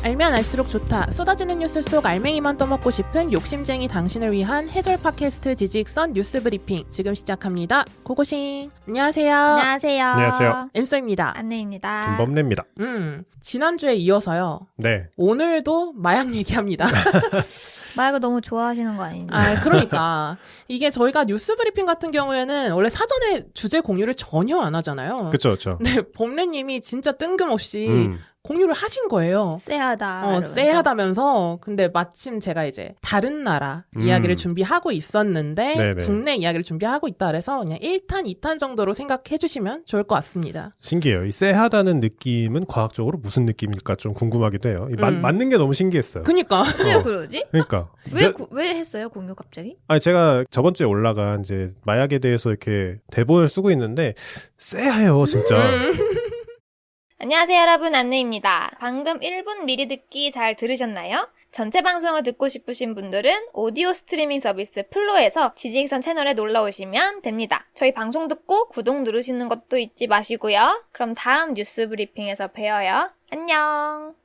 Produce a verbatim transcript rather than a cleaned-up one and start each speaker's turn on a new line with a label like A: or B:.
A: 알면 알수록 좋다. 쏟아지는 뉴스 속 알맹이만 떠먹고 싶은 욕심쟁이 당신을 위한 해설 팟캐스트 지직선 뉴스 브리핑 지금 시작합니다. 고고싱. 안녕하세요.
B: 안녕하세요.
C: 안녕하세요.
A: 엠소입니다.
B: 안내입니다.
C: 김범래입니다.
A: 음, 지난주에 이어서요.
C: 네.
A: 오늘도 마약 얘기합니다.
B: 마약을 너무 좋아하시는 거 아닌지.
A: 아, 그러니까. 이게 저희가 뉴스 브리핑 같은 경우에는 원래 사전에 주제 공유를 전혀 안 하잖아요.
C: 그쵸, 그쵸.
A: 근데 범래님이 진짜 뜬금없이
C: 음.
A: 공유를 하신 거예요.
B: 쎄하다.
A: 어,
B: 이러면서.
A: 쎄하다면서. 근데 마침 제가 이제 다른 나라
C: 음.
A: 이야기를 준비하고 있었는데
C: 네네.
A: 국내 이야기를 준비하고 있다 그래서 그냥 일 탄, 이 탄 정도로 생각해 주시면 좋을 것 같습니다.
C: 신기해요. 이 쎄하다는 느낌은 과학적으로 무슨 느낌일까 좀 궁금하기도 해요. 이 마,
A: 음.
C: 맞는 게 너무 신기했어요.
A: 그니까.
B: 어째
C: 어.
B: 그러지?
C: 그러니까.
B: 왜,
C: 몇-
B: 구- 왜 했어요, 공유 갑자기?
C: 아니 제가 저번 주에 올라간 이제 마약에 대해서 이렇게 대본을 쓰고 있는데 쎄해요, 진짜.
A: 음.
B: 안녕하세요, 여러분. 안내입니다. 방금 일 분 미리 듣기 잘 들으셨나요? 전체 방송을 듣고 싶으신 분들은 오디오 스트리밍 서비스 플로에서 지지익선 채널에 놀러 오시면 됩니다. 저희 방송 듣고 구독 누르시는 것도 잊지 마시고요. 그럼 다음 뉴스 브리핑에서 봬요. 안녕.